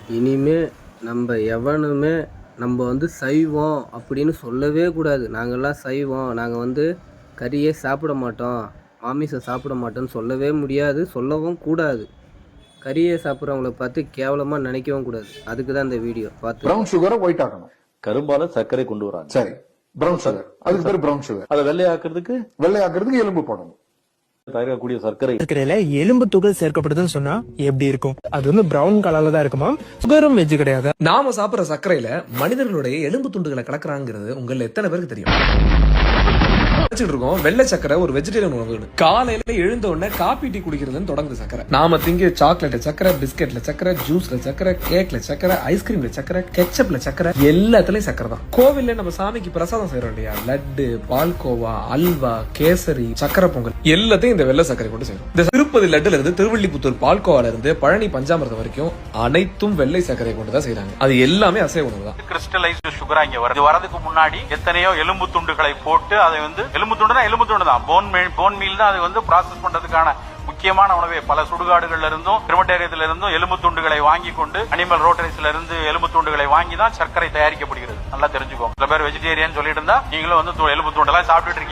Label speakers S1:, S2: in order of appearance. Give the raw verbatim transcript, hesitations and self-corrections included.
S1: இனிமே நம்ம எவனுமே நம்ம வந்து சைவம் அப்படின்னு சொல்லவே கூடாது. நாங்கள்லாம் சைவம், நாங்கள் வந்து கறியே சாப்பிட மாட்டோம், மாமிசம் சாப்பிட மாட்டோம்னு சொல்லவே முடியாது, சொல்லவும் கூடாது. கறியை சாப்பிட்றவங்கள பார்த்து கேவலமாக நினைக்கவும் கூடாது. அதுக்கு தான் இந்த வீடியோ பார்த்து.
S2: ப்ரௌன் சுகரை ஒயிட் ஆக்கணும்.
S3: கரும்பால சர்க்கரை கொண்டு வராங்க.
S2: சரி, ப்ரௌன் சுகர், அதுக்கு பேர் ப்ரௌன் சுகர்.
S3: அதை வெள்ளை ஆக்குறதுக்கு
S2: வெள்ளை ஆக்குறதுக்கு எலும்பு போடணும்.
S3: தயாரிக்கக்கூடிய சர்க்கரை
S4: சர்க்கரையில எலும்பு துகள் சேர்க்கப்படுதுன்னு சொன்னா எப்படி இருக்கும்? அது வந்து பிரவுன் கலர்ல தான் இருக்குமா? சுகரும் வெஜ் கிடையாது.
S5: நாம சாப்பிடுற சர்க்கரையில மனிதர்களுடைய எலும்பு துண்டுகளை கலக்குறாங்கிறது உங்கள எத்தனை பேருக்கு தெரியும்? இருக்கோம் வெள்ளை சக்கரை ஒரு வெஜிடேரியன் உணவு. காலையில எழுந்த உடனே காபி டீ குடிக்கிறதுன்னு தொடங்குது சக்கரை. நாம திங்க சாக்லேட்ல சக்கரை, பிஸ்கெட்ல சக்கரை, ஜூஸ்ல சக்கரை, கேக்ல சக்கரை, ஐஸ்கிரீம்ல சக்கரை, கெச்சப்ல சக்கரை, எல்லாத்துலயும் சக்கரை தான். கோவில்ல நம்ம சாமிக்கு பிரசாதம் செய்யறோம் இல்லையா, லட்டு, பால்கோவா, அல்வா, கேசரி, சக்கரை பொங்கல், எல்லாத்தையும் இந்த வெள்ளை சக்கரை கொண்டு செய்யறோம். இந்த திருப்பதி லட்டுல இருந்து திருவள்ளிபுத்தூர் பால்கோவால இருந்து பழனி பஞ்சாமிரதம் வரைக்கும் அனைத்தும் வெள்ளை சக்கரை கொண்டு தான் செய்யறாங்க. அது எல்லாமே அசைவ உணவு தான்.
S6: கிறிஸ்டலைஸ்டு சுகரா இங்க வருது. வரதுக்கு முன்னாடி எத்தனையோ எலும்பு துண்டுகளை போட்டு அதை வந்து எலும்பு துண்டுனா எலும்பு துண்டு தான், போன் போன் மீல் தான், அது வந்து ப்ராசஸ் பண்றதுக்கான முக்கியமான உணவே. பல சுடுகாடுகள்ல இருந்தும் கிரிமட்டேரியத்துல இருந்தும் எலும்பு துண்டுகளை வாங்கி கொண்டு அனிமல் ரோட்டரிஸ்ல இருந்து எலும்பு துண்டுகளை வாங்கி தான் சர்க்கரை தயாரிக்கப்படுகிறது. நல்லா தெரிஞ்சுக்கோங்க. சில பேர் வெஜிடேரியன் சொல்லிட்டு இருந்தா நீங்களும் வந்து எலும்பு துண்டெல்லாம் சாப்பிட்டுட்டு இருக்கீங்க.